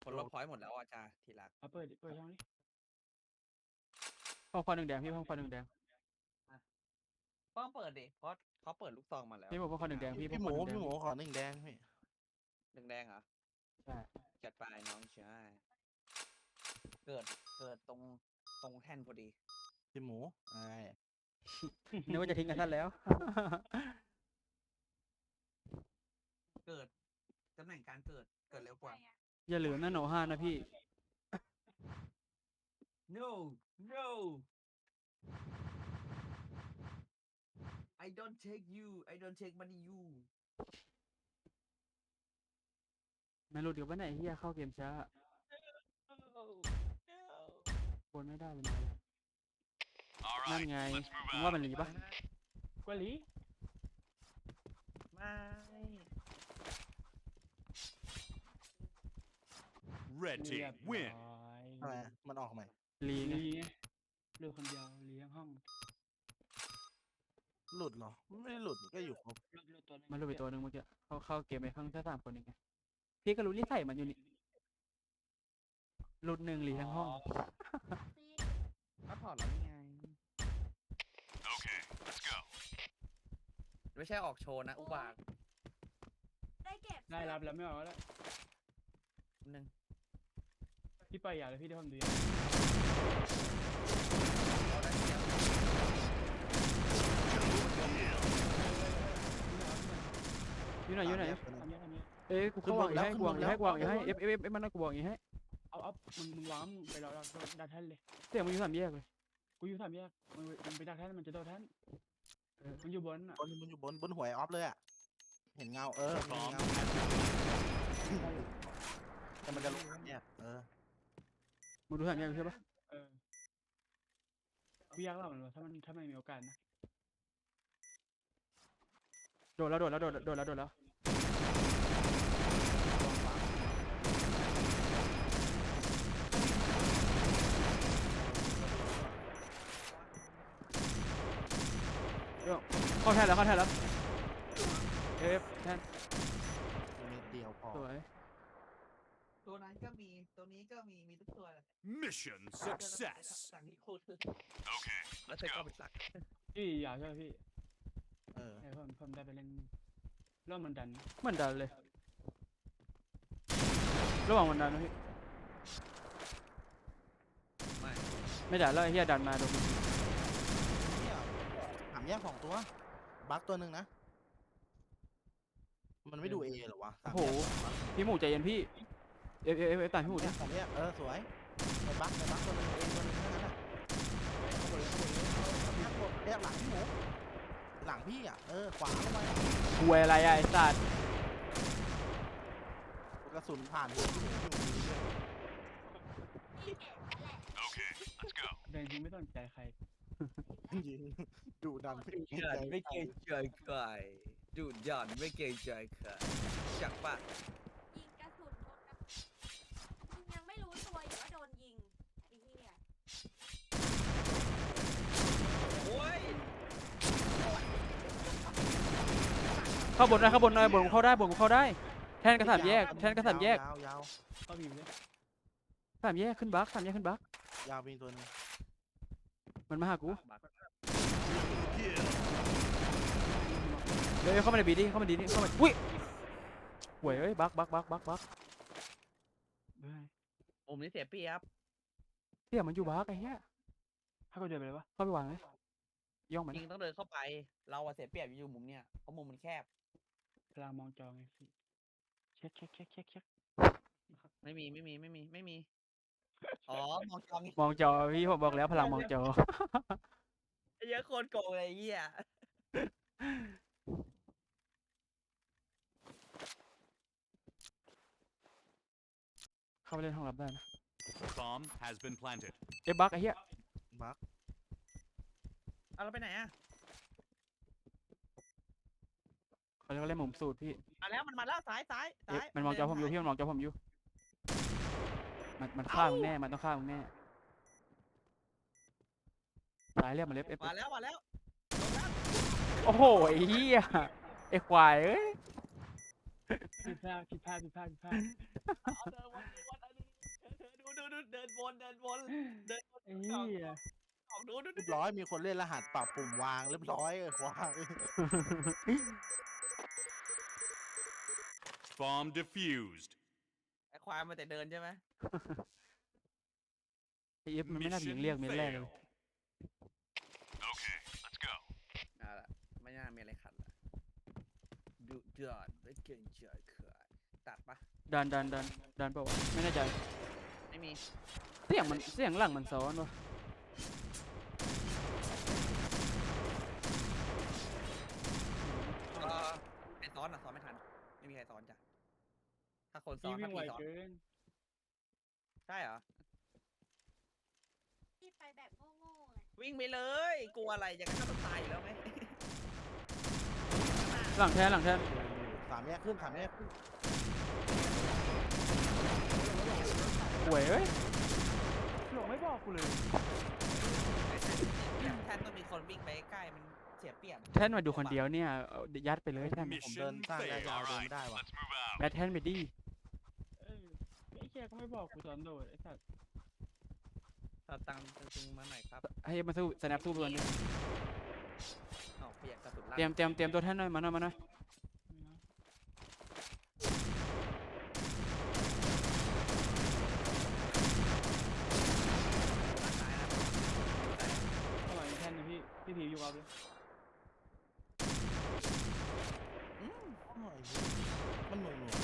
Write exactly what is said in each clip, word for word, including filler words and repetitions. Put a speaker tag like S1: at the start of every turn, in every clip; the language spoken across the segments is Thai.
S1: คนลบพอยต์หมดแล้วอาจารย์ทีรัก
S2: เอาเปิดดิเปิดช่องนี้
S3: ห้องควันหนึ่งแดงพี่ห้องควันหนึ่งแดง
S1: ต้องเปิดดิเพราะเขาเปิดลูกซองมาแล้ว
S3: พี่บอกว่าควันหนึ่งแดงพี่
S4: พี่หมูพี่หมูขอหนึ่งแดงพี่
S1: หนึ่งแดงเหรอ
S3: ใช่
S1: จัดไปน้องใช่เกิดเกิดตรงตรงแท่นพอดี
S4: พี่หมูไอ้
S3: นึกว่าจะทิ้งกันท่านแล้ว
S1: เกิดตำแหน่งการเกิดเกิดเร็วกว่า
S3: อย่าลืมนะโนห้านะพี่
S1: no no I don't take you I don't take money you
S3: ไม่รู้เดี๋ยววันไหนเฮียเข้าเกมช้า
S1: no
S3: บนไม่ได้เป็นไรนั่นไงมึงว่ามันหลีปะ
S2: กว่าหลี
S1: ไม่
S5: Red
S2: เรีย
S5: team
S2: บ
S5: win.
S2: ร้อย
S4: ทำไมมันออกใหม่
S3: หลีไง
S2: ลีไงเลือกคนเดียวลีทั้งห้อง
S4: หลุดเหรอไม่ได้หลุดก็อยู่ครบ
S2: เลือกเลือกตัวหนึง
S3: มันรู้ไปตัวหนึ่งเมื่อกี้เขาเข้าเกมไปข้างแค่สามคนเองไงพี่ก็รู้นิสัยมันอยู่นี่หลุดหนึ่งหลีทั้งห้อง
S1: ก็ถอดแล้วนี่ไง
S5: Okay, let's go.
S1: ไม่ใช่ออกโชว์นะอุบาท
S6: ได้เก็บ
S2: ได้รับแล้วไม่ออกแล้ว
S1: หนึ่ง
S2: พี่ไปอย่าเลยพี่ได้ความดี
S1: เอาได้เดียว
S3: อยู่ไหนอยู่ไหน
S2: ทำเนี้ยทำเนี้ย
S3: เอ้ยกูเข้าวางอย่าให้กูวางอย่าให้กูวางอย่าให้เอฟเอฟเอฟมันนะกูวางอย่าให้
S2: เอาเอามึงมึงวางมึงไปรอรอดักแท่นเลย
S3: เสียงมันอยู่สามแยกเลย
S2: กูอยู่สามแยกมันมันไปดักแท่นมันจะโดนแท่นมันอยู่บนอ่ะ
S4: บนมันอยู่บนบนหวยออฟเลยอ่ะเห็นเงาเออเห็น
S5: Bomb
S4: เงา
S5: has
S4: แต่มันจะลงเนี่ยเออ
S3: มึงดูสามแยกใช่ปะ
S2: เออพี่ยากเล่ามันว่าถ้ามันถ้าไม่มีโอกาสนะ
S3: โดดแล้วโดดแล้วโดดโดดแล้วโดดแล้วเดี๋ยวเข้าแทนแล้วเข้าแทนแล้วเอฟแทน
S4: เม็ดเดียวพอ
S3: สวย
S1: ตัวนั้นก็มีตัวนี้ก็มีมีทุกตัวแหละ
S5: mission success.
S1: สั่งที่คุณ
S5: Okay,
S1: แล้ว
S5: let's
S1: เธอก็
S5: go.
S1: ไปสัก
S2: พี่อยากใช่ไหมพี่
S4: เออ
S2: เออผมผมได้ไปเล่นรอบมันดันนะ
S3: เหมือนดันเลยระหว่างวันดันนะพี่
S1: ไม่
S3: ไม่ดันแล้วไอ้เฮียดันมาโดน
S4: เนี่ยถามแยกสองตัวบั๊กตัวหนึ่งนะมันไม่ดูเอหรอวะ
S3: โอ้โหพี่หมูใจเย็นพี่เอฟเอฟเอฟตามพี่หมู
S4: แย
S3: ดิ
S4: กสามแยกเออสวยไปบั๊กไปบั๊กตัวหนึ่งเอตัวหนึ่งเท่านั้นอ่ะเข้าไปเลยเข้าไปเลยเข้าไปเลยแยกหลังพี่หมูหลังพี่อ่ะเออขวาลงไป
S3: คุยอะไรอะไอ้สัตว์
S4: กระสุนผ่านหัวพี่หมูพี่หมูยิงเลย
S6: นี่เก็บแล้วแหละ
S5: Okay, let's go.
S2: เดินจริงไม่ต้องใจใคร
S4: ยิงดูดันไม่
S1: เกิดไม่เกรงใจใครดุดันไม่เกรงใจใครจักปะ
S6: ยิงกระสุนโดนกระมึงยังไม่รู้ตัวอยู่ว่าโดนยิงไอ้เหี้ย
S1: โอ้ย
S3: เข้าบนได้เข้าบนได้บนกูเข้าได้บนกูเข้าได้แทนกระสามแยกแทนกระสามแยก
S4: ยาวยาว
S2: เข้าบีมเลย
S3: สามแยกขึ้นบักสามแยกขึ้นบัก
S4: ยาวมีตัวหนึง
S3: มันมาหากู
S1: บัก
S5: Kill.
S3: เดี๋ยวเข้ามาในบีดิเข้ามาดีดิเข้ามาอุ้ยหวยเอ้ยบักบักบักบักบัก
S2: เฮ้ย
S1: ผมนี่เสียเปรียบ
S3: เสี่ยมันอยู่บักไอ้เหี้ย
S2: ให้กูเดินไปเลยวะ
S3: เข้าไปวางเลยย่องมัน
S1: จริงต้องเดินเข้าไป เราอะเสียเปรียบอยู่มุมเนี่ยเพราะมุมมันแคบ
S2: พลังมองจอไงพี่เช็คเช็คเช็คเช็คเช็ค
S1: ไม่มีไม่มีไม่มีไม่มีอ๋อมองจอนี่
S3: มองจอพี่ผมบอกแล้วพลังมองจอ
S1: เยอะโคตรโกงเลยไอ้เหี้ย
S3: เข้าไปเล่นห้องรับได้นะ
S5: Bomb has been planted.
S3: เอ้ยบักไอ้เหี้ย
S4: บั๊ก
S1: เอาเราไปไหนอะ
S3: เขาเรียกว่าเล่นมุมสูตรพี่
S1: มาแล้วมันมาแล้วซ้ายซ้าย
S3: เอ๊ะ
S1: ซ้าย
S3: มันมองจอผมอยู่พี่มันมองจอผมอยู่มันมันฆ่ามึงแน่มันต้องฆ่ามึงแน่ตายเรียกมาเล็บเอฟ
S1: มาแล้วมาแล้ว
S3: โอ้โหไอ้เหี้ยไอ้ควายเอ้ย
S2: ผิดพลาดผิดพลาดผิดพลาดผิดพลาด
S1: เอาเดินวันนี้วันนี้วนเดินวนเดินวน
S2: ไอ้เหี้ย
S1: ออกดูดู
S4: เรียบร้อยมีคนเล่นรหัสปรับปุ่มวางเรียบร้อยเออวาง
S5: Bomb defused.
S1: ไอ้ควายมันแต่เดินใช่ไหม
S3: ไอเอฟมันไม่น่าไปยิงเรียกเม็ดแรกเลย
S5: Okay, let's go.
S1: เอาละไม่น่ามีอะไรขัดละดูเดือดไม่เกินเฉยเขื่อนตัดปะ
S3: ดันดันดันดันเปล่าวะไม่แน่ใจ
S1: ไม่มี
S3: เสียงมันเสียงหลังมันซ้อนวะ
S1: เออใครซ้อนอ่ะซ้อนไม่ทันไม่มีใครซ้อนจ้ะถ้าคนซ้อ
S2: พี่
S1: น
S2: วิ่
S1: ถ้าง
S2: ไว
S1: พี่ซ้อน
S2: เกิน
S1: ใช่เหรอ
S6: ที่ไปแบบโง่ๆไง
S1: วิ่งไปเลยกลัวอะไรอย่างนั้นก็ต้องตายอยู่แล้วไหม
S3: หลังแทนหลังแทน
S4: สามแยกขึ้นสามแยกขึ้น
S3: ป่วยเอ้ย
S2: หลงไม่บอกกูเลย
S1: แทนต้องมีคนวิ่งไปใกล้มันเสียเปรียบ
S3: แทนมาดูคนเดียวเนี่ยเอายัดไปเลยแทน
S4: ผมเดิน
S5: Mission
S4: สร้างระยะ
S5: failed.
S4: ยาว
S5: All
S4: เดิน
S5: right,
S4: ไม่ได้ว่ะ
S5: let's move out.
S3: แบทแทนไปดิ
S2: เออไอ้เหี้ยก็ไม่บอกกูตอนโดดไอ้สัตว์
S1: ตัดตังค์จริงๆมาหน่อยครับ
S3: ให้มาสู้สแนปสู้ตัวนึง
S1: เอาเปียกกระสุนลั่น
S3: เตรียมเตรียมเตรียมตัวแทนหน่อยมาหน่อยมาหน่อย
S1: ตายนะ
S2: อร่อยแท่นนะพี่พี่ผีอยู่กับเลย
S1: อืม
S4: โอ้ยมันหน่วงหน่วง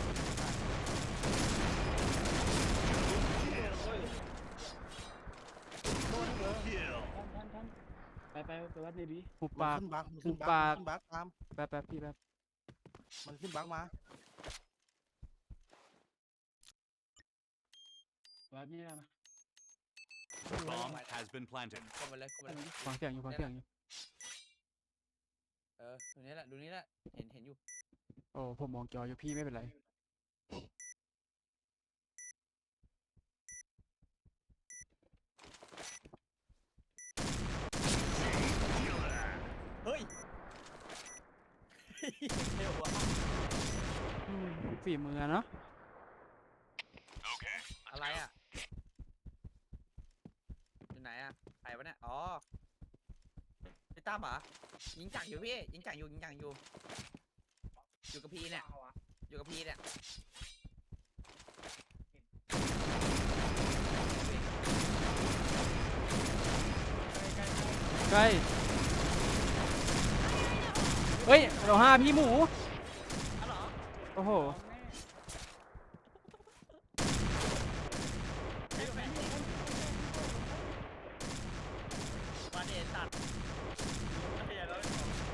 S5: Kill.
S2: ท่านท่านท่านไปไปไปวัดในบี
S3: หุบ
S4: มั
S3: ปาน ก
S4: ขึ้นบักมัน
S3: หุ
S4: ขึ้
S3: บ
S4: นบัก
S3: ปาก
S4: มันขึ้นบักตาม
S3: แป๊บแป๊บพี่แป๊บ
S4: มันขึ้นบักมา
S2: วัดนี่ได้ไหม
S5: Bomb has been planted.
S1: เข้าไปเลยเข้าไปเลย
S3: ฟังเสียงอยู่ฟังเสียงอยู่
S1: เออดูนี้แหละดูนี้แหละเห็นเห็นอยู่
S3: โอ้ผมมองจออยู่พี่ไม่เป็นไร
S1: เฮ้ยเร็วว่ะ
S3: อืมฝีมือเนาะ
S5: Okay,
S1: อะไรอ่ะอยู่ไหนอ่ะใครวะเนี่ยอ๋อพี่ตั้มเหรอยิงจักรอยู่พี่ยิงจักรอยู่ยิงจักรอยู่อยู่กับพี่เนี่ยอยู่กับพี่เนี่ย
S2: ใกล้ใกล้ใกล้
S3: ใกล้เฮ้ยเราห้าพี่หมู
S1: อ๋อเหรอ
S3: โอ้โห
S1: ไอ้แฟนมาเดตัดเฮียแล้ว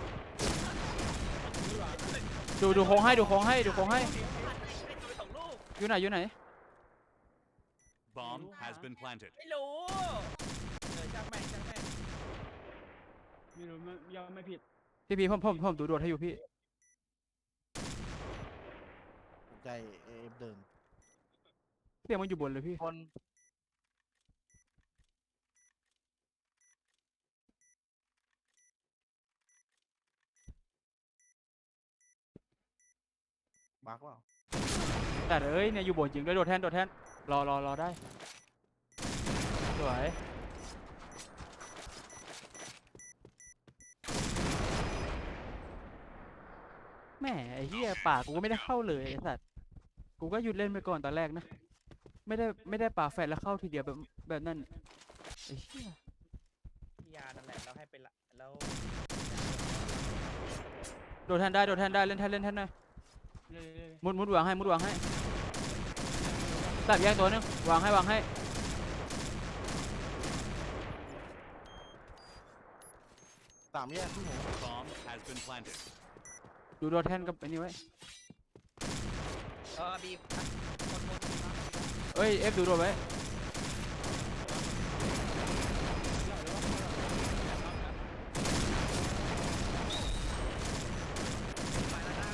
S3: ดูดูโค้งให้ดูโค้งให้ดูโค้งให้
S1: ไม่ดูไปสองลูก
S3: อยู่ไหนอยู่ไหน
S5: bomb has been planted.
S1: ไม่รู้เออช่างแม่งช่างแม่ง
S2: ไม่รู้ไม่ยอมไม่ผิด
S3: พี่พี่ผมผมผมดูโดดให้อยู่พี่
S4: ใจเอฟเดิน
S3: เสียงมันอยู่บนเลยพี่
S1: คน
S4: บักเปล่า
S3: แต่เอ้ยเนี่ยอยู่บนจริงด้วยโดดแทนโดดแทนรอรอรอได้สวยแหมไอ้เหี้ยปากกูก็ไม่ได้เข้าเลยไอ้สัตว์กูก็หยุดเล่นไปก่อนตอนแรกนะไม่ได้ไม่ได้ปากแฟนแล้วเข้าทีเดียวแบบแบบนั้นไอ้เหี้ย
S1: พี่ยานั่นแหละเราให้เป็นละแล้ว
S3: โดดแทนได้โดดแทนได้เล่นแทนเล่นแทนหน่อย
S2: เรื่อย
S3: มุดมุดวางให้มุดวางให้ตัดแยกตัวนึงวางให้วางให้
S4: สามแยกขึ้นหมู
S5: Bomb has been planted.
S3: ดูโดดแทนกับไอ้นี่ไว้
S1: เออบีบคนคนบีบมา
S3: เอ้ยเอฟดูโดดไว้
S1: ไปแล้วนะ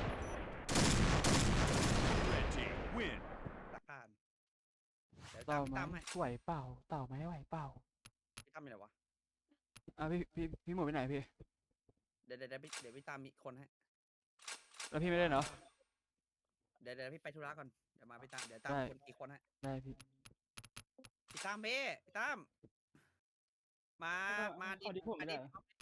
S5: Red team win.
S1: ตะการเดี๋ยว
S3: เต่า
S1: ตาม
S3: ไหม
S1: ตามให้
S3: ไหวเปล่าเต่าไหมไหวเปล่า
S1: พี่ตั้มอยู่ไหนวะ
S3: อ่ะพี่พี่พี่หมดไปไหนพี่
S1: เดี๋ยวเดี๋ยวเดี๋ยวพี่เดี๋ยวพี่ตามมีคนให้
S3: แล้วพี่ไม่ได้เหรอ
S1: เดี๋ยวเดี๋ยวพี่ไปธุระก่อนเดี๋ยวมาพี่ตามเดี๋ยวตาม
S3: ได้
S1: คนอีกคนให้
S3: ได้พี่
S1: พี่ตั้มพี่พี่ตั้มมา
S2: แล้วก็
S1: มา
S2: ขอดิผม
S1: มา
S2: ไม่ได้
S1: ดิ
S2: เหรอ